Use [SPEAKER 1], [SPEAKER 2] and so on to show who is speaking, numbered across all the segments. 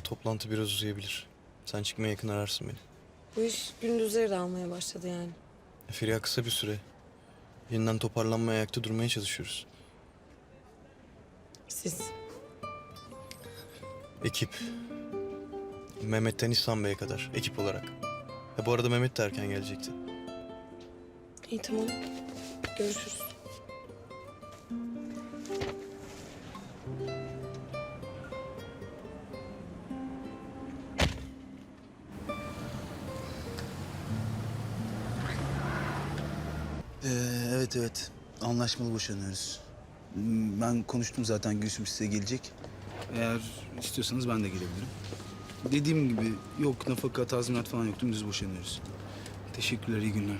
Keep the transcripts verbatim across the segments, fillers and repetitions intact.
[SPEAKER 1] toplantı biraz uzayabilir. Sen çıkmaya yakın ararsın beni.
[SPEAKER 2] Bu iş gündüzleri de almaya başladı yani.
[SPEAKER 1] E, Feriha kısa bir süre. Yeniden toparlanmaya, ayakta durmaya çalışıyoruz.
[SPEAKER 2] Siz.
[SPEAKER 1] Ekip. Mehmet'ten İhsan Bey'e kadar ekip olarak. Ha, bu arada Mehmet de erken gelecekti.
[SPEAKER 2] İyi tamam. Görüşürüz.
[SPEAKER 3] Ee, evet evet. Anlaşmalı boşanıyoruz. Hmm, Ben konuştum zaten, Gülsüm size gelecek. Eğer istiyorsanız ben de gelebilirim. Dediğim gibi yok nafaka, tazminat falan yok. Dümdüz boşanıyoruz. Teşekkürler, iyi günler.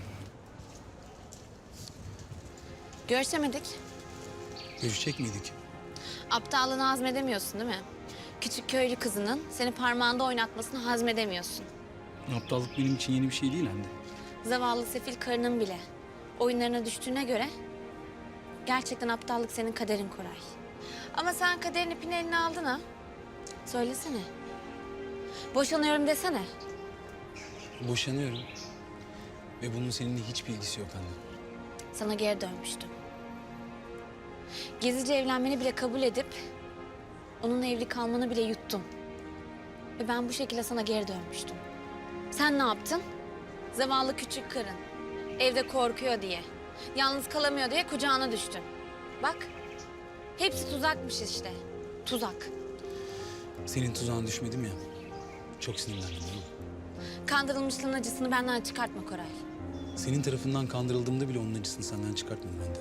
[SPEAKER 4] Görüşemedik.
[SPEAKER 3] Görüşecek miydik?
[SPEAKER 4] Aptallığını hazmedemiyorsun değil mi? Küçük köylü kızının seni parmağında oynatmasını hazmedemiyorsun.
[SPEAKER 3] Aptallık benim için yeni bir şey değil anne.
[SPEAKER 4] Zavallı sefil karının bile oyunlarına düştüğüne göre gerçekten aptallık senin kaderin Koray. Ama sen kaderin ipini eline aldın ha. Söylesene. Boşanıyorum desene.
[SPEAKER 3] Boşanıyorum. Ve bunun seninle hiçbir ilgisi yok anne.
[SPEAKER 4] Sana geri dönmüştüm. Gezici evlenmeni bile kabul edip onunla evli kalmanı bile yuttum. Ve ben bu şekilde sana geri dönmüştüm. Sen ne yaptın? Zavallı küçük karın. Evde korkuyor diye. Yalnız kalamıyor diye kucağına düştün. Bak. Hepsi tuzakmış işte. Tuzak.
[SPEAKER 3] Senin tuzağına düşmedim ya. Çok sinirlendim değil mi?
[SPEAKER 4] Kandırılmışlığın acısını benden çıkartma Koray.
[SPEAKER 3] Senin tarafından kandırıldığımda bile onun acısını senden çıkartmadım ben de.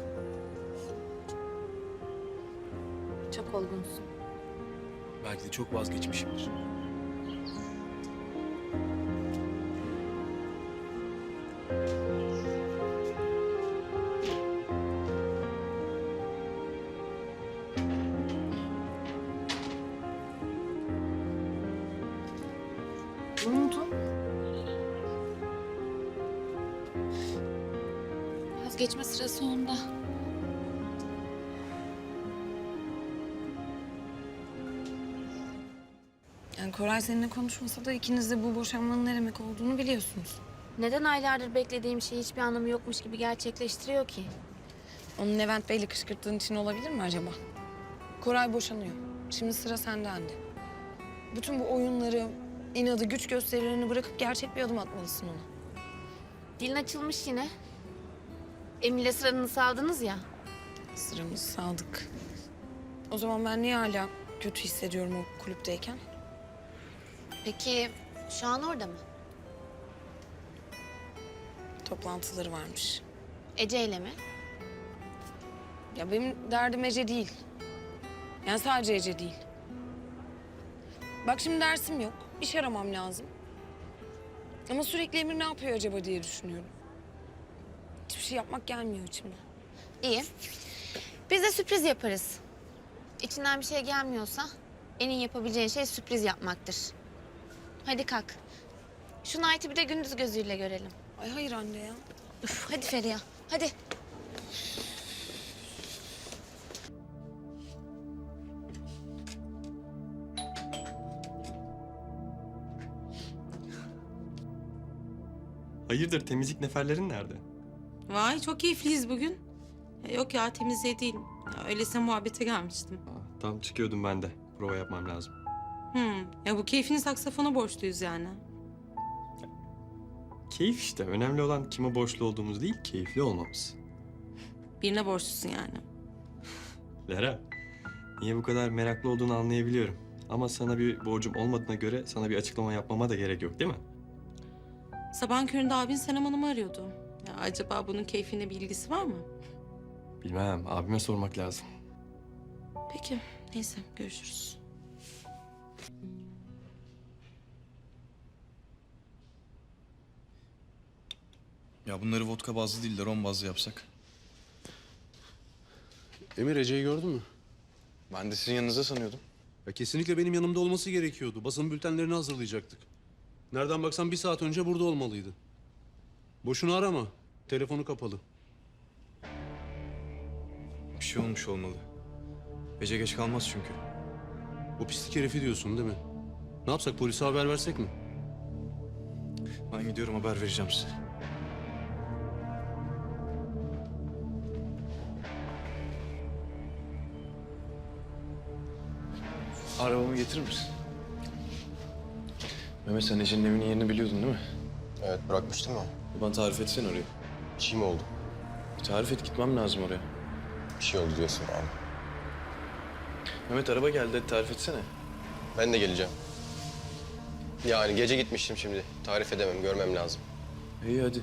[SPEAKER 4] Çok olgunsun.
[SPEAKER 3] Belki de çok vazgeçmişimdir.
[SPEAKER 4] Ne oldu? Vazgeçme sırası onda.
[SPEAKER 2] Yani Koray seninle konuşmasa da ikiniz de bu boşanmanın ne demek olduğunu biliyorsunuz.
[SPEAKER 4] Neden aylardır beklediğim şey hiçbir anlamı yokmuş gibi gerçekleştiriyor ki?
[SPEAKER 2] Onun Levent Bey'le kışkırttığın için olabilir mi acaba? Koray boşanıyor. Şimdi sıra sende anne. Bütün bu oyunları, inadı, güç gösterilerini bırakıp gerçek bir adım atmalısın ona.
[SPEAKER 4] Dilin açılmış yine. Emir'le sıranızı aldınız ya.
[SPEAKER 2] Sıramız Sadık. O zaman ben niye hala kötü hissediyorum o kulüpteyken?
[SPEAKER 4] Peki şu an orada mı?
[SPEAKER 2] Toplantıları varmış.
[SPEAKER 4] Ece ile mi?
[SPEAKER 2] Ya benim derdim Ece değil. Yani sadece Ece değil. Bak şimdi dersim yok. İş aramam lazım. Ama sürekli Emir ne yapıyor acaba diye düşünüyorum. Hiçbir şey yapmak gelmiyor içimden.
[SPEAKER 4] İyi. Biz de sürpriz yaparız. İçinden bir şey gelmiyorsa en iyi yapabileceğin şey sürpriz yapmaktır. Hadi kalk. Şu Knight'ı bir de gündüz gözüyle görelim.
[SPEAKER 2] Ay hayır anne ya.
[SPEAKER 4] Üf, hadi Feriha, hadi.
[SPEAKER 5] Hayırdır, temizlik neferlerin nerede?
[SPEAKER 6] Vay çok keyifliyiz bugün. Ya yok ya temizliğe değil. Ya öylesine muhabbete gelmiştim.
[SPEAKER 5] Aa, tam çıkıyordum ben de. Prova yapmam lazım.
[SPEAKER 6] Hmm. Ya bu keyfini saksafona borçluyuz yani.
[SPEAKER 5] Keyif işte. Önemli olan kime borçlu olduğumuz değil, keyifli olmamız.
[SPEAKER 6] Birine borçlusun yani.
[SPEAKER 5] Lera, niye bu kadar meraklı olduğunu anlayabiliyorum. Ama sana bir borcum olmadığına göre sana bir açıklama yapmama da gerek yok değil mi?
[SPEAKER 6] Sabahın köründe abin Senem Hanım'ı arıyordu. Ya acaba bunun keyfinde bir ilgisi var mı?
[SPEAKER 5] Bilmem, abime sormak lazım.
[SPEAKER 6] Peki neyse görüşürüz.
[SPEAKER 1] Ya bunları vodka bazlı değil de rom bazlı yapsak.
[SPEAKER 7] Emir, Ece'yi gördün mü?
[SPEAKER 1] Ben de sizin yanınızda sanıyordum.
[SPEAKER 7] Ya kesinlikle benim yanımda olması gerekiyordu. Basın bültenlerini hazırlayacaktık. Nereden baksan bir saat önce burada olmalıydı. Boşuna arama. Telefonu kapalı.
[SPEAKER 1] Bir şey olmuş olmalı. Ece geç kalmaz çünkü.
[SPEAKER 7] O pislik herifi diyorsun değil mi? Ne yapsak, polise haber versek mi?
[SPEAKER 1] Ben gidiyorum, haber vereceğim size. Arabamı getirir misin? Mehmet, sen Ece'nin evinin yerini biliyordun değil mi?
[SPEAKER 8] Evet, bırakmıştım ya.
[SPEAKER 1] Bana tarif etsene orayı.
[SPEAKER 8] Bir şey mi oldu?
[SPEAKER 1] Bir tarif et, gitmem lazım oraya.
[SPEAKER 8] Bir şey oldu diyorsun abi.
[SPEAKER 1] Mehmet, araba geldi, hadi tarif etsene.
[SPEAKER 8] Ben de geleceğim. Yani gece gitmiştim şimdi. Tarif edemem, görmem lazım.
[SPEAKER 1] İyi hadi.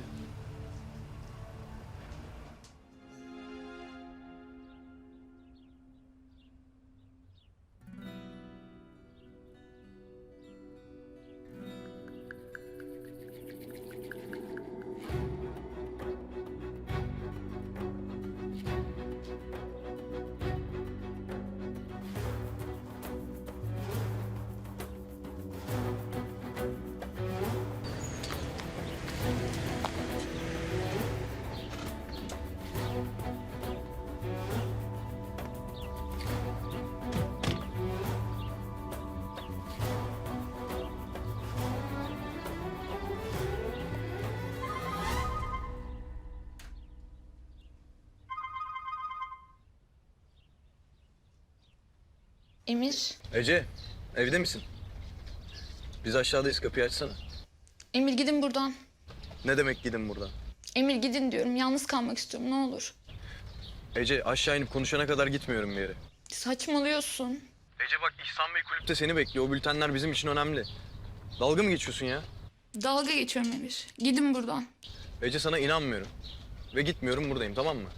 [SPEAKER 2] Emir,
[SPEAKER 1] Ece, evde misin? Biz aşağıdayız, kapıyı açsana.
[SPEAKER 9] Emir gidin buradan.
[SPEAKER 1] Ne demek gidin buradan?
[SPEAKER 9] Emir gidin diyorum. Yalnız kalmak istiyorum. Ne olur.
[SPEAKER 1] Ece, aşağı inip konuşana kadar gitmiyorum bir yere.
[SPEAKER 9] Saçmalıyorsun.
[SPEAKER 1] Ece bak, İhsan Bey kulüpte seni bekliyor. O bültenler bizim için önemli. Dalga mı geçiyorsun ya?
[SPEAKER 9] Dalga geçiyorum Emir. Gidin buradan.
[SPEAKER 1] Ece, sana inanmıyorum. Ve gitmiyorum, buradayım, tamam mı?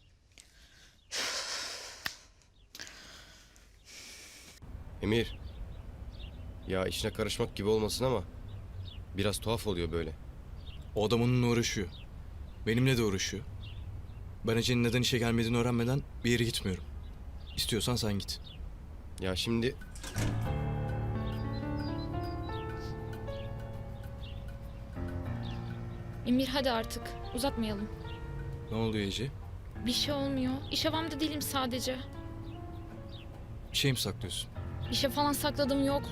[SPEAKER 8] Emir. Ya işine karışmak gibi olmasın ama biraz tuhaf oluyor böyle.
[SPEAKER 1] O adam onunla uğraşıyor. Benimle de uğraşıyor. Ben Ece'nin neden işe gelmediğini öğrenmeden bir yere gitmiyorum. İstiyorsan sen git.
[SPEAKER 8] Ya şimdi
[SPEAKER 9] Emir hadi artık. Uzatmayalım.
[SPEAKER 1] Ne oluyor Ece?
[SPEAKER 9] Bir şey olmuyor. İş havamda değilim sadece.
[SPEAKER 1] Bir şey mi saklıyorsun?
[SPEAKER 9] Bir şey falan sakladığım yok.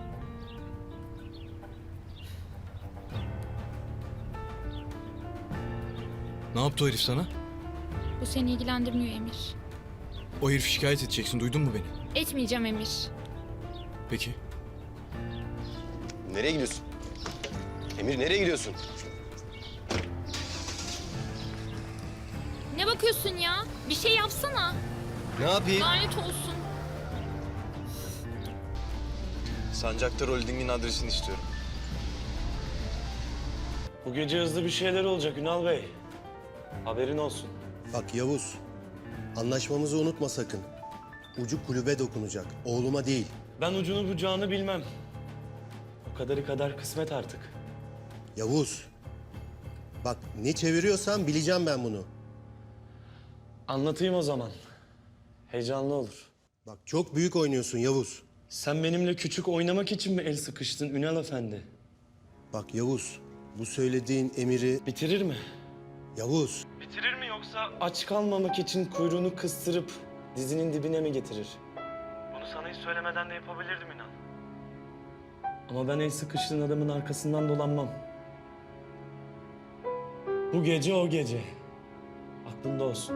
[SPEAKER 1] Ne yaptı o herif sana?
[SPEAKER 9] Bu seni ilgilendirmiyor Emir.
[SPEAKER 1] O herifi şikayet edeceksin, duydun mu beni?
[SPEAKER 9] Etmeyeceğim Emir.
[SPEAKER 1] Peki.
[SPEAKER 8] nereye gidiyorsun? Emir nereye gidiyorsun?
[SPEAKER 9] Ne bakıyorsun ya? Bir şey yapsana.
[SPEAKER 8] Ne yapayım?
[SPEAKER 9] Lanet olsun.
[SPEAKER 1] Sancaktar Holding'in adresini istiyorum.
[SPEAKER 10] Bu gece hızlı bir şeyler olacak Ünal Bey. Haberin olsun.
[SPEAKER 11] Bak Yavuz, anlaşmamızı unutma sakın. Ucu kulübe dokunacak, oğluma değil.
[SPEAKER 10] Ben ucunu bucağını bilmem. O kadarı kadar kısmet artık.
[SPEAKER 11] Yavuz, bak ne çeviriyorsan bileceğim ben bunu.
[SPEAKER 10] Anlatayım o zaman. Heyecanlı olur.
[SPEAKER 11] Bak çok büyük oynuyorsun Yavuz.
[SPEAKER 10] Sen benimle küçük oynamak için mi el sıkıştın Ünal Efendi?
[SPEAKER 11] Bak Yavuz, bu söylediğin emiri...
[SPEAKER 10] Bitirir mi?
[SPEAKER 11] Yavuz,
[SPEAKER 10] Bitirir mi yoksa aç kalmamak için kuyruğunu kıstırıp dizinin dibine mi getirir? Bunu sana hiç söylemeden de yapabilirdim inan. Ama ben el sıkıştığın adamın arkasından dolanmam. Bu gece o gece. Aklında olsun.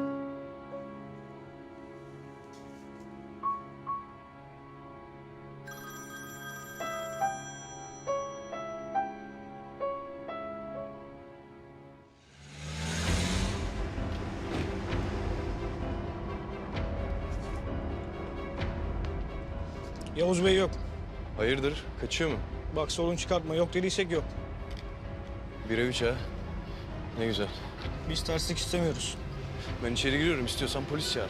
[SPEAKER 12] Yavuz Bey yok.
[SPEAKER 1] Hayırdır, kaçıyor mu?
[SPEAKER 12] Bak sorun çıkartma. Yok dediysek yok.
[SPEAKER 1] Bire üç ha. Ne güzel.
[SPEAKER 12] Biz terslik istemiyoruz.
[SPEAKER 1] Ben içeri giriyorum, istiyorsan polis çağır.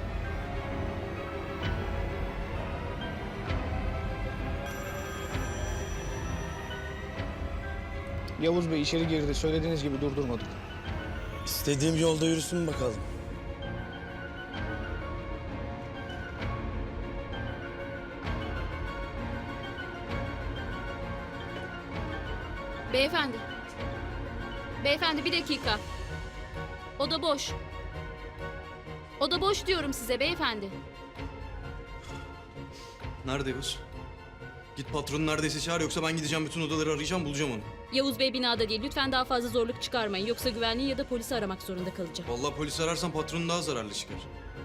[SPEAKER 12] Yavuz Bey içeri girdi. Söylediğiniz gibi durdurmadık.
[SPEAKER 10] İstediğim yolda yürüsün bakalım.
[SPEAKER 4] Beyefendi. Beyefendi bir dakika. Oda boş. Oda boş diyorum size beyefendi.
[SPEAKER 1] Nerede Yavuz? Git patronun neredeyse çağır, yoksa ben gideceğim bütün odaları arayacağım, bulacağım onu.
[SPEAKER 13] Yavuz Bey binada değil. Lütfen daha fazla zorluk çıkarmayın. Yoksa güvenliği ya da polisi aramak zorunda kalacağım.
[SPEAKER 1] Vallahi polis ararsan patronun daha zararlı çıkar.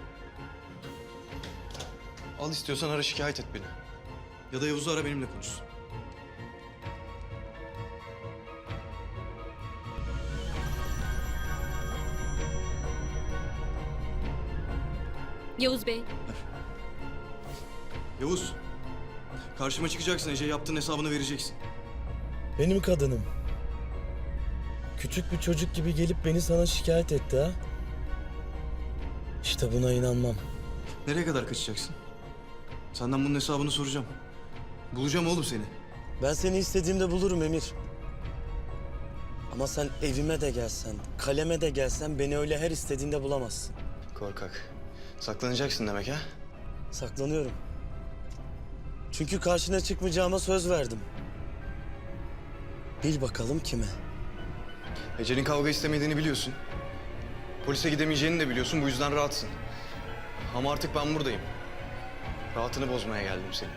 [SPEAKER 1] Al istiyorsan ara, şikayet et beni. Ya da Yavuz'u ara, benimle konuşsun.
[SPEAKER 13] Yavuz Bey.
[SPEAKER 1] Yavuz, karşıma çıkacaksın, Ece yaptığın hesabını vereceksin.
[SPEAKER 10] Benim kadınım. Küçük bir çocuk gibi gelip beni sana şikayet etti ha. İşte buna inanmam.
[SPEAKER 1] Nereye kadar kaçacaksın? Senden bunun hesabını soracağım. Bulacağım oğlum seni.
[SPEAKER 10] Ben seni istediğimde bulurum Emir. Ama sen evime de gelsen, kaleme de gelsen beni öyle her istediğinde bulamazsın.
[SPEAKER 1] Korkak. Saklanacaksın demek ha?
[SPEAKER 10] Saklanıyorum. Çünkü karşına çıkmayacağıma söz verdim. Bil bakalım kime?
[SPEAKER 1] Ece'nin kavga istemediğini biliyorsun. Polise gidemeyeceğini de biliyorsun, bu yüzden rahatsın. Ama artık ben buradayım. Rahatını bozmaya geldim senin.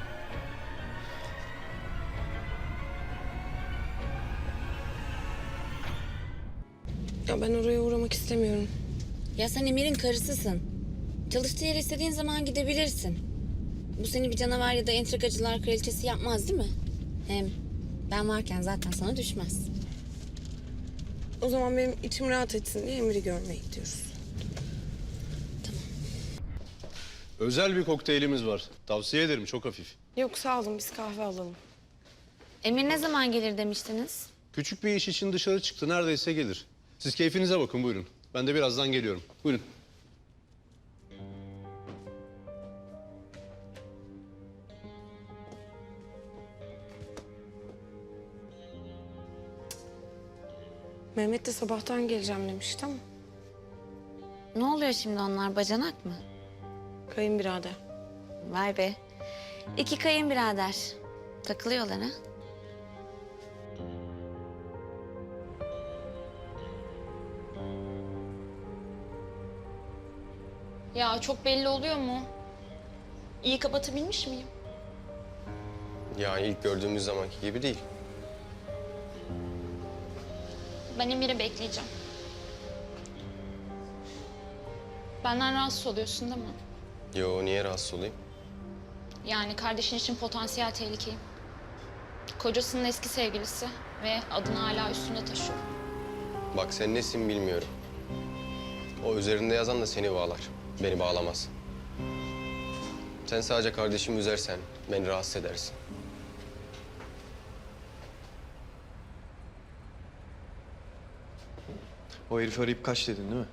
[SPEAKER 2] Ya ben oraya uğramak istemiyorum.
[SPEAKER 4] Ya sen Emir'in karısısın. Çalıştığı yere istediğin zaman gidebilirsin. Bu seni bir canavar ya da entrikacılar kraliçesi yapmaz değil mi? Hem ben varken zaten sana düşmez.
[SPEAKER 2] O zaman benim içim rahat etsin diye Emir'i görmeye gidiyoruz.
[SPEAKER 7] Özel bir kokteylimiz var. Tavsiye ederim, çok hafif.
[SPEAKER 2] Yok sağ olun, biz kahve alalım.
[SPEAKER 4] Emir ne zaman gelir demiştiniz?
[SPEAKER 7] Küçük bir iş için dışarı çıktı, neredeyse gelir. Siz keyfinize bakın, buyurun. Ben de birazdan geliyorum. Buyurun.
[SPEAKER 2] Mehmet de sabahtan geleceğim demişti ama
[SPEAKER 4] Ne oluyor şimdi, onlar bacanak mı?
[SPEAKER 2] kayınbirader.
[SPEAKER 4] Vay be. İki kayınbirader. Takılıyorlar ha?
[SPEAKER 9] Ya çok belli oluyor mu? İyi kapatabilmiş miyim?
[SPEAKER 8] Yani ilk gördüğümüz zamanki gibi değil.
[SPEAKER 9] Ben Emir'i bekleyeceğim. Benden rahatsız oluyorsun değil mi?
[SPEAKER 8] Yo, niye rahatsız olayım?
[SPEAKER 9] Yani kardeşin için potansiyel tehlikeyim. Kocasının eski sevgilisi ve adını hala üstünde taşıyor.
[SPEAKER 8] Bak sen nesin bilmiyorum. O üzerinde yazan da seni bağlar. Beni bağlamaz. Sen sadece kardeşimi üzersen beni rahatsız edersin.
[SPEAKER 1] O herifi arayıp kaç dedin değil mi?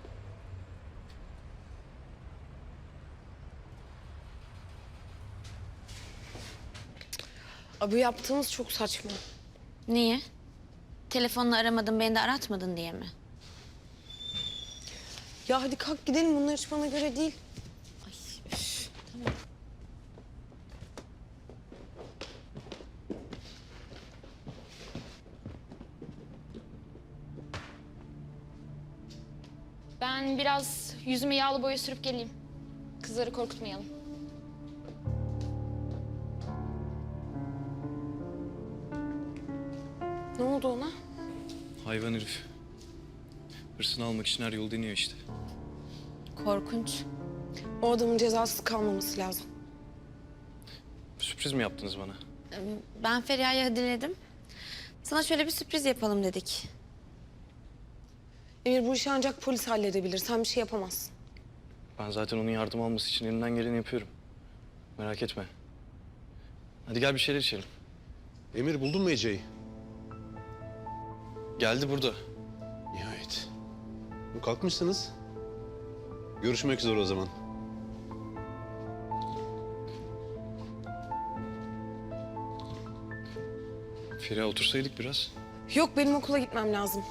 [SPEAKER 2] Abi yaptığınız çok saçma.
[SPEAKER 4] Niye? Telefonla aramadın, beni de aratmadın diye mi?
[SPEAKER 2] Ya hadi kalk gidelim, bunlar hiç bana göre değil.
[SPEAKER 9] Ben biraz yüzüme yağlı boya sürüp geleyim. Kızları korkutmayalım.
[SPEAKER 2] Ne oldu ona?
[SPEAKER 1] Hayvan herif. Hırsını almak için her yolu deniyor işte.
[SPEAKER 4] Korkunç.
[SPEAKER 2] O adamın cezasız kalmaması lazım.
[SPEAKER 1] Sürpriz mi yaptınız bana?
[SPEAKER 4] Ben Feriha'ya diledim. Sana şöyle bir sürpriz yapalım dedik.
[SPEAKER 2] Emir, bu işi ancak polis halledebilir. Sen bir şey yapamazsın.
[SPEAKER 1] Ben zaten onun yardım alması için elimden geleni yapıyorum. Merak etme. Hadi gel bir şeyler içelim.
[SPEAKER 7] Emir, buldun mu Ece'yi?
[SPEAKER 1] Geldi burada.
[SPEAKER 7] Nihayet. Kalkmışsınız. Görüşmek üzere o zaman.
[SPEAKER 1] Feriha, otursaydık biraz.
[SPEAKER 2] Yok, benim okula gitmem lazım.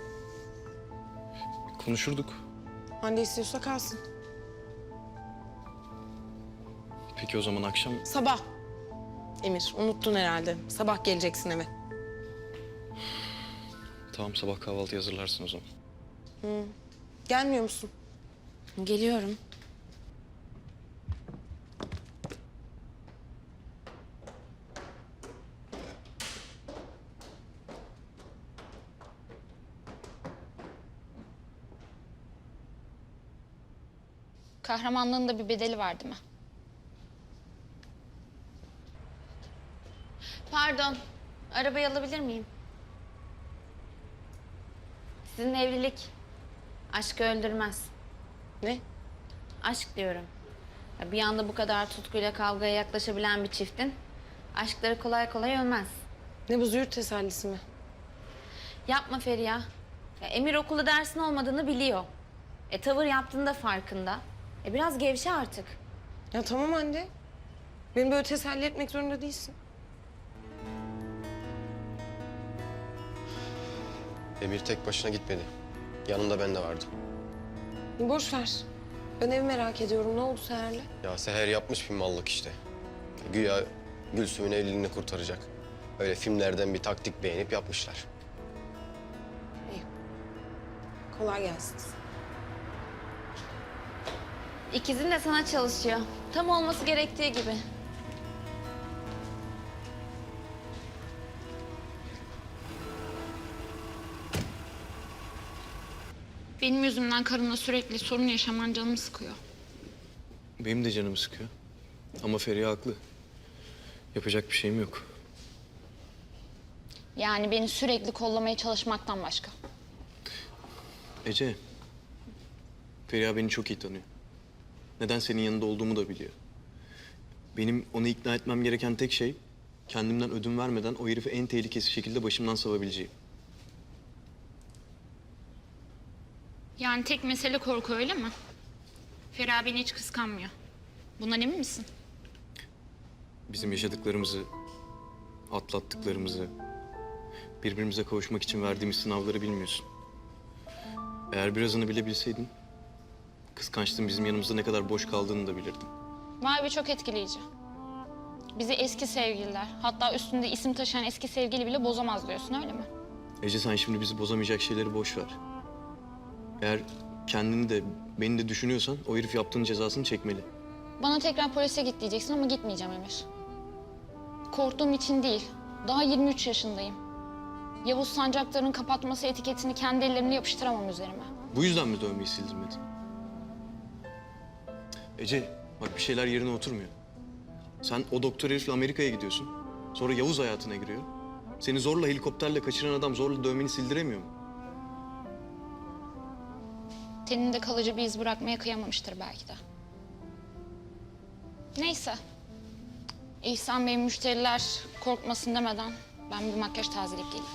[SPEAKER 1] Konuşurduk.
[SPEAKER 2] Hande istiyorsa kalsın.
[SPEAKER 1] Peki o zaman akşam...
[SPEAKER 2] Sabah. Emir, unuttun herhalde. Sabah geleceksin eve.
[SPEAKER 1] Tamam, sabah kahvaltı hazırlarsın o zaman.
[SPEAKER 2] Gelmiyor musun?
[SPEAKER 4] Geliyorum.
[SPEAKER 9] Kahramanlığın da bir bedeli var değil mi?
[SPEAKER 4] Pardon, arabayı alabilir miyim? Sizin evlilik aşkı öldürmez.
[SPEAKER 2] Ne?
[SPEAKER 4] Aşk diyorum. Ya bir anda bu kadar tutkuyla kavgaya yaklaşabilen bir çiftin aşkları kolay kolay ölmez.
[SPEAKER 2] Ne bu züğürt tesellisi mi?
[SPEAKER 4] Yapma Feriha. Ya Emir okulda dersin olmadığını biliyor. E tavır yaptığında farkında. E biraz gevşe artık.
[SPEAKER 2] Ya tamam anne. Beni böyle teselli etmek zorunda değilsin.
[SPEAKER 8] Emir tek başına gitmedi. Yanında ben de vardım.
[SPEAKER 2] Boş ver. Ben evi merak ediyorum. Ne oldu Seher'le?
[SPEAKER 8] Ya Seher yapmış bir mallık işte. Güya Gülsüm'ün evliliğini kurtaracak. Öyle filmlerden bir taktik beğenip yapmışlar.
[SPEAKER 2] Kolay gelsin.
[SPEAKER 4] İkizin de sana çalışıyor. Tam olması gerektiği gibi.
[SPEAKER 9] Benim yüzümden karınla sürekli sorun yaşaman canımı sıkıyor.
[SPEAKER 1] Benim de canımı sıkıyor. Ama Feriha haklı. Yapacak bir şeyim yok.
[SPEAKER 9] Yani beni sürekli kollamaya çalışmaktan başka.
[SPEAKER 1] Ece, Feriha beni çok iyi tanıyor. Neden senin yanında olduğumu da biliyor. Benim onu ikna etmem gereken tek şey... kendimden ödün vermeden o herifi en tehlikesiz şekilde başımdan savabileceğim.
[SPEAKER 9] Yani tek mesele korku öyle mi? Feriha beni hiç kıskanmıyor. Bundan emin misin?
[SPEAKER 1] Bizim yaşadıklarımızı, atlattıklarımızı... birbirimize kavuşmak için verdiğimiz sınavları bilmiyorsun. Eğer birazını bile bilseydin... kıskançlığın bizim yanımızda ne kadar boş kaldığını da bilirdin.
[SPEAKER 9] Vay be, çok etkileyici. Bizi eski sevgililer, hatta üstünde isim taşıyan eski sevgili bile bozamaz diyorsun, öyle mi?
[SPEAKER 1] Ece, sen şimdi bizi bozamayacak şeyleri boş ver. Eğer kendini de beni de düşünüyorsan o herif yaptığın cezasını çekmeli.
[SPEAKER 9] Bana tekrar polise git diyeceksin ama gitmeyeceğim Emir. Korktuğum için değil, daha yirmi üç yaşındayım. Yavuz Sancaktar'ın kapatması etiketini kendi ellerimle yapıştıramam üzerime.
[SPEAKER 1] Bu yüzden mi dövmeyi sildirmedin? Ece, bak bir şeyler yerine oturmuyor. Sen o doktor herifle Amerika'ya gidiyorsun. Sonra Yavuz hayatına giriyor. Seni zorla helikopterle kaçıran adam zorla dövmeni sildiremiyor mu?
[SPEAKER 9] Teninde kalıcı bir iz bırakmaya kıyamamıştır belki de. Neyse. İhsan Bey müşteriler korkmasın demeden ben bir makyaj tazeleyip geleyim.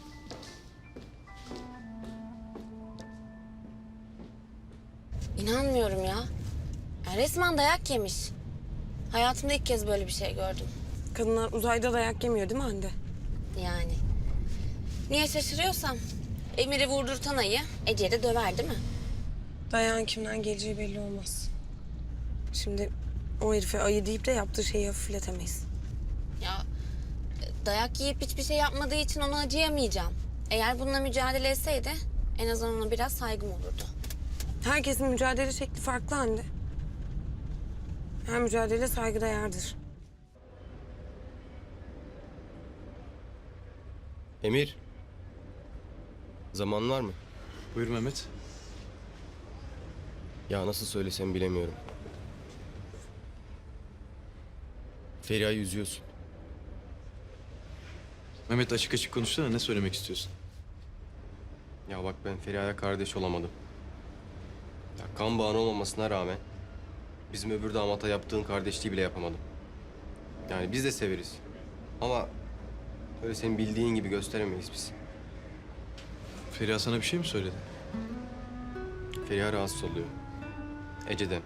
[SPEAKER 4] İnanmıyorum ya. Ya resmen dayak yemiş. Hayatımda ilk kez böyle bir şey gördüm.
[SPEAKER 2] Kadınlar uzayda dayak yemiyor değil mi Hande?
[SPEAKER 4] Yani. Niye şaşırıyorsam? Emir'i vurdurtan ayı Ece'yi de döver değil mi?
[SPEAKER 2] Dayağın kimden geleceği belli olmaz. Şimdi o herife ayı deyip de yaptığı şeyi hafifletemeyiz.
[SPEAKER 4] Ya dayak yiyip hiçbir şey yapmadığı için ona acıyamayacağım. Eğer bununla mücadele etseydi en azından ona biraz saygım olurdu.
[SPEAKER 2] Herkesin mücadele şekli farklı Hande. Her mücadele saygıda yardır.
[SPEAKER 8] Emir. Zaman var mı?
[SPEAKER 1] Buyur Mehmet.
[SPEAKER 8] Ya nasıl söylesem bilemiyorum. Feriha'yı üzüyorsun.
[SPEAKER 1] Mehmet, açık açık konuşsana, ne söylemek istiyorsun?
[SPEAKER 8] Ya bak, ben Feriha'ya kardeş olamadım. Ya kan bağın olmamasına rağmen bizim öbür damata yaptığın kardeşliği bile yapamadım. Yani biz de severiz. Ama öyle senin bildiğin gibi gösteremeyiz biz.
[SPEAKER 1] Feriha sana bir şey mi söyledi?
[SPEAKER 8] Feriha rahatsız oluyor. Ece'den.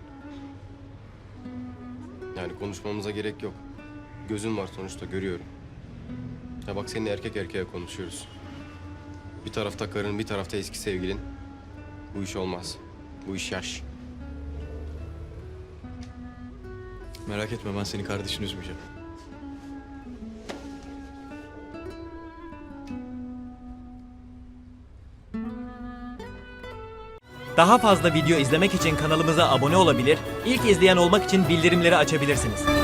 [SPEAKER 8] Yani konuşmamıza gerek yok. Gözün var sonuçta, görüyorum. Ya bak, seninle erkek erkeğe konuşuyoruz. Bir tarafta karın, bir tarafta eski sevgilin. Bu iş olmaz. Bu iş yaş.
[SPEAKER 1] Merak etme, ben senin kardeşini üzmeyeceğim.
[SPEAKER 14] Daha fazla video izlemek için kanalımıza abone olabilir, ilk izleyen olmak için bildirimleri açabilirsiniz.